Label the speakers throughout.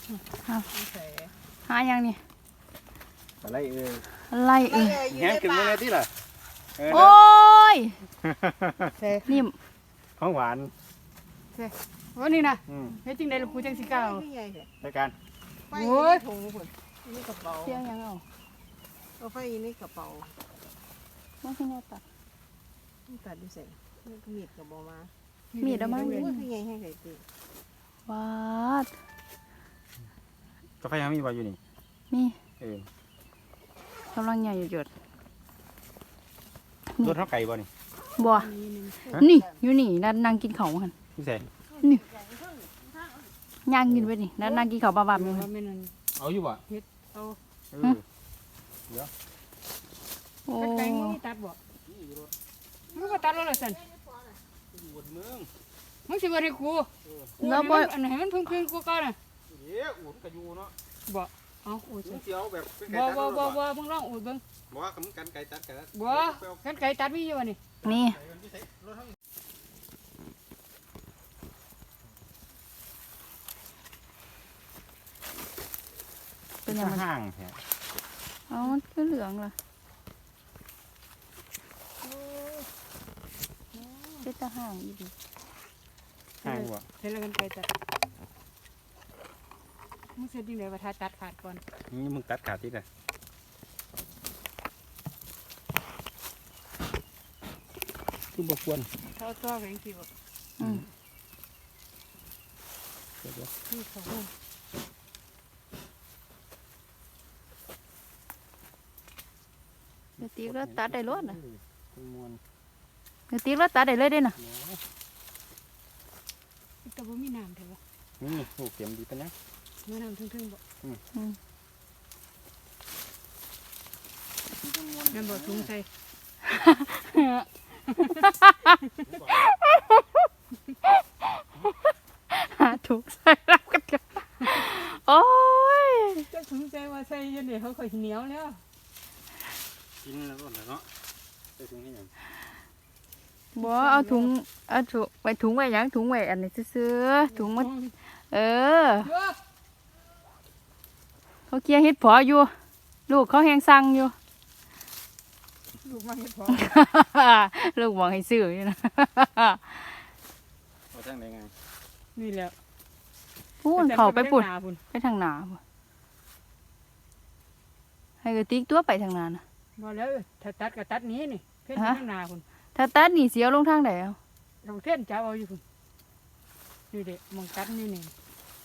Speaker 1: หายังนี่
Speaker 2: อะไร
Speaker 1: อะไร
Speaker 2: แห้งขึ้นมาเลยที่ล่ะ
Speaker 1: โอ้ยนิ่ม
Speaker 2: ของหวาน
Speaker 3: วันนี้นะเฮ็ดจริงได้ลูกปูจังสิก้าว
Speaker 2: รายการ
Speaker 3: โอ้ย
Speaker 4: ถุงพุ่นนี่กระเป๋า
Speaker 1: เที่ยงยัง
Speaker 4: เอาไฟนี่กระเป๋า
Speaker 1: ไม่ใช่แน่ตัด
Speaker 4: ตัดดูเสร็จนี่ก็มีดกับบ่มา
Speaker 1: มีดเอามา
Speaker 4: คือไงให้ใส่ตี
Speaker 1: ว้าด
Speaker 2: กาแฟยังมีบ่อยู่นี่
Speaker 1: มีกำลังใหญ่หยด
Speaker 2: รถเท่าไก่บ่นี่
Speaker 1: บัวนี่อยู่นี่นั่งกินข้าวกัน
Speaker 2: พี่เสก
Speaker 1: นี่ย่างกินไปนี่นั่งกินข้าวบ้าๆอยู่
Speaker 2: เอาอยู่บ่
Speaker 3: เอา
Speaker 2: เดี๋ยว
Speaker 1: โอ้
Speaker 3: ไก่นี่ตัดบ่มึงก็ตัดแล้วล่ะสันมึงสิบ่ให้กู
Speaker 1: แล้วบ่
Speaker 3: อันไหนมันพึ่งกูก่อนน่ะ
Speaker 2: เดี๋ยวอุ่นก็อยู่เนาะ
Speaker 3: บ่เอาอูด
Speaker 2: เสียวแบบ
Speaker 3: บ่มึงลองอูดเบิ่ง
Speaker 2: บ่ว่ากันไก่ตัดกัน
Speaker 3: บ่กันไก่ตัดมีอยู่นี่
Speaker 1: นี่
Speaker 2: เป็นยังห่างแท้
Speaker 1: เอาก็เหลืองล่ะเป็นตาห่างอีดี
Speaker 2: ห่างบ่
Speaker 3: เฮ็ดแล้วกันไก่ตัดมึงเสร็จจริงได้ว่าถ้าตัดขาดก่อน
Speaker 2: นี่มึงตัดขาดที่ไหนคือบ่ควร
Speaker 3: เขาตัวแข็งสิบ่นี่เขา
Speaker 1: เดี๋ยวตีแล้วตัดได้รถนะเดี๋ยวตีแล้วตัดได้เลยได้น่ะ
Speaker 3: แต่บ่มีน้ำเถอะบ่
Speaker 2: นี่โอ้เข็มดีปะเนี่ย
Speaker 3: มีน้ำทึ่งๆบ่นั่นบ่ถุงใส่
Speaker 1: ถูกใส่รับกันโอ้ย
Speaker 3: จะถุงใส่ว่าใส่ยันเดี๋ยวเขาค่อยเหนียวแล้ว
Speaker 2: กินแล้วก็เนาะใส่ถุงนี่ยัง
Speaker 1: บ่เอาถุงไว้ถุงไว้ยังถุงไว้อันนี้ซื้อถุงมันเขาเคี่ยวเฮ็ดพออยู่ลูกเขาแหงสั่งอยู่
Speaker 3: ลูกมาเฮ็ดพอ
Speaker 1: ลูกบอกให้ซื้ออยู่นะ
Speaker 2: เอาทางไหนไง
Speaker 3: นี่แหละ
Speaker 1: พูนเขาไปปุ่นไปทางหนาให้กระติกตัวไปทางนานะ
Speaker 3: บ่แล้วถ้าตัดก็ตัดนี้นี่เพ่นทางนาคุณ
Speaker 1: ถ้าตัดนี่เสียวลงทางไหนเอา
Speaker 3: ลงเส้นจะเอาอยู่คุณนี่เด็กมองตัดนี่นี่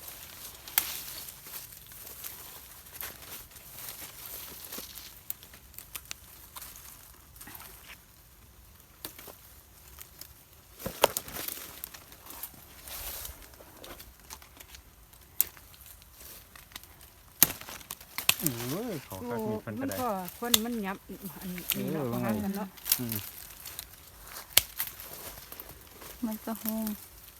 Speaker 2: ขอคักมีพันกระได
Speaker 3: คนมันยับอันนี้เนาะประมาณกันเนาะ
Speaker 1: มันก็ห้อง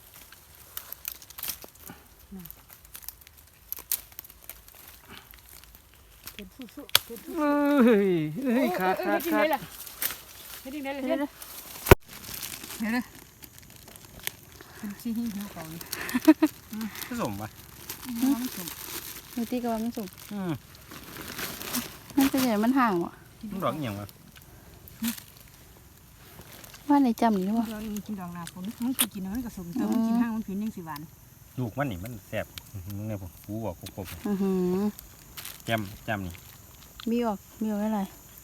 Speaker 3: เป็นสู้ๆเป็นสู้
Speaker 1: ๆขาด
Speaker 3: เฮ็ดยังไงล่ะเฮ็ดยังไงล่ะเฮ็ดเลยเป็นชี้หิ้วเขาเลย
Speaker 2: ผสมปะ
Speaker 1: มันสุ่มดูตีกับมันสุ่มมันเป็นไงมันห่างวะ
Speaker 2: มันดอกอย่างวะ
Speaker 1: ว่าในจำนี่วะ
Speaker 3: เรากินดอกนาฝนมันคือกินมันกระสมเติมมันกินห้างมันผิวยังสีหวาน
Speaker 2: ลูกมันนี่มันแสบมึงเนี่ยผมกูบอกกบจำนี่
Speaker 1: มีออกอะไร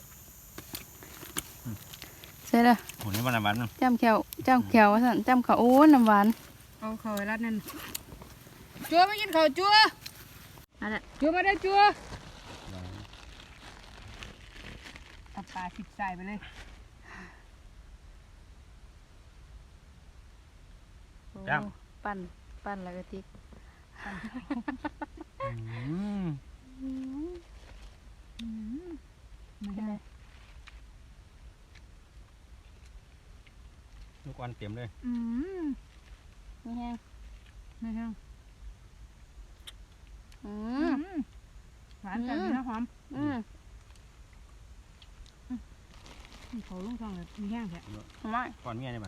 Speaker 1: ใช่เลย
Speaker 2: ผลนี้มันน้ำหวาน
Speaker 1: จำแขวว่าสั่นจำเขาโอ้น้ำหวาน
Speaker 3: เอาเขาไว้รัดนั่นจัวไม่กินเขาจัว
Speaker 1: อะไร
Speaker 3: จัวมาได้จัวตับปลาสิบใส่ไปเลย
Speaker 1: ปั้นแล้วก็ติ๊ก
Speaker 3: ไม่ได้
Speaker 2: ลูกอ่อนเต็มเลย
Speaker 1: ไม่แห้ง
Speaker 3: หวานแต่มีน้ำหอมเขาลุงทองเลยมีแห้งแค่
Speaker 1: ไม่
Speaker 2: ก่อนเมียได้บ้าง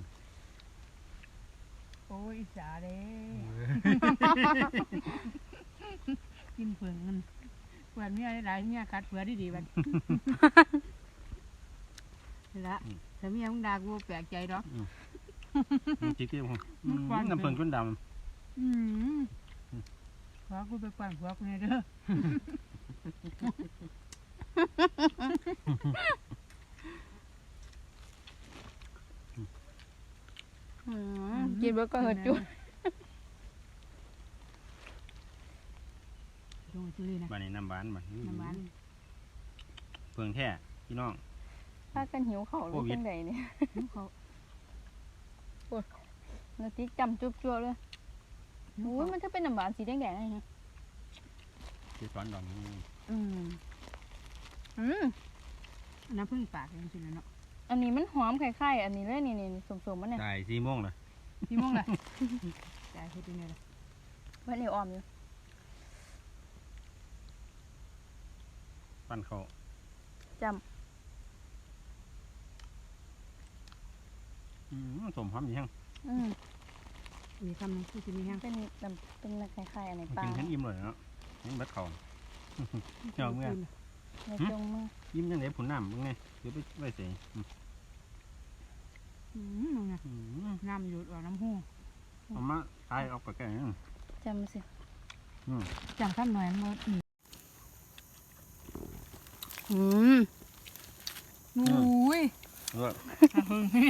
Speaker 3: โอ้ยจ๋าเด้กินเผืองมันเผือกเมียหลายเมียกัดเผือกดีๆบัดนี่ละแต่เมียมึงด่ากูแปลกใจดอก
Speaker 2: จิกเดียวผม
Speaker 3: มันกว้าง
Speaker 2: น้ำเพิ่งจนด
Speaker 3: หัวกูไปปั่นหัวกูเนี่ยเด้อ
Speaker 1: กินเบิดก็เหิดจุ
Speaker 3: ตรงซื้อเลยนะ
Speaker 2: ำบ้านนี้น้ำหวานบ้าน
Speaker 3: น้ำมัน
Speaker 2: เพิ่งแท้พี่น้อง
Speaker 1: พากันหิวข้าวหรือจังใดเนี่ย
Speaker 3: เขา
Speaker 1: นาติ๊กจำจุ๊บจั่วเลยโอ้ยมันจะเป็นน้ำหวานสีแดงๆไงฮะ
Speaker 2: ที่สอนดอกนี้
Speaker 1: อืม
Speaker 3: น้ำผึ้งปากจริงๆนะเนาะ
Speaker 1: อันนี้มันหอมคล้ายๆอันนี้เลยนี่สมๆมันเนี่ย
Speaker 2: ได้4 โมงเลย
Speaker 3: พี่ม่วงเลยจ่ายเฮ็ดยังไงล่ะ
Speaker 1: มันเหนียวอ่อมอยู่
Speaker 2: ปั้นเขา
Speaker 1: จ
Speaker 2: สมหอมอยู่ยัง
Speaker 1: ำ
Speaker 3: มีคำนึงที่จะมีแห้ง
Speaker 1: เป็นคล้ายๆอันไหนปลา
Speaker 2: กินฉันอิ่มเลยเนาะยังเบ็ดเขาเจ้าเมื่อ
Speaker 1: ในจงมือ
Speaker 2: ยิ้มยังไงผุนน้ำมึงไงเดี๋ยวไปไว้เสีย
Speaker 3: มึงนะน้ำหยุดออกน้ำหู
Speaker 2: เอามาตายออกไปแก่
Speaker 1: จำสิ
Speaker 3: จังขั้นหน่อยมัน
Speaker 1: อุ้ย
Speaker 2: เออ
Speaker 3: เนี่ย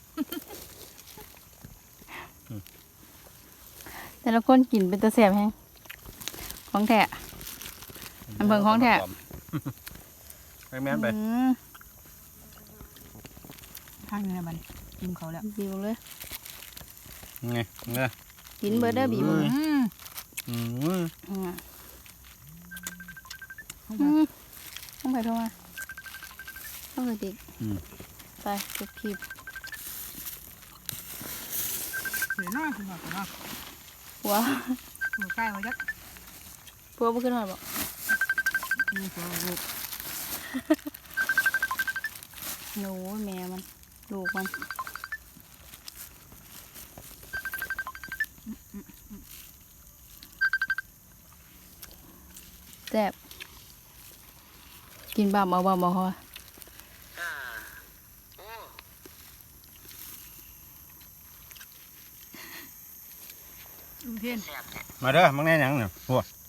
Speaker 1: แต่ละคนกินเป็นตะเสียบแฮงของแท้ อันเบิ่งของแท้
Speaker 2: ไปแม่นไป
Speaker 3: ข้างนี้นะบัดกินเขาแล้ว
Speaker 1: บิวเลย
Speaker 2: ไงเงย
Speaker 1: กินเบอร์เดอร์บิวเลย ต้องไปโทรมาต้องไปดิไปจบคลิป
Speaker 3: เดี๋ยวน้อยคุณบอกก่อนเนาะ
Speaker 1: หัว
Speaker 3: หัวใกล้มาจัก
Speaker 1: พัวบ่ขึ้นหน่อยบอก
Speaker 3: มีตัวลูก
Speaker 1: หนูแม่มันลูกมันแซ่บกินบ้าเอาพอ
Speaker 3: ลุงเทียน
Speaker 2: มาเด้อมังแน่ยังเนี่ยพวก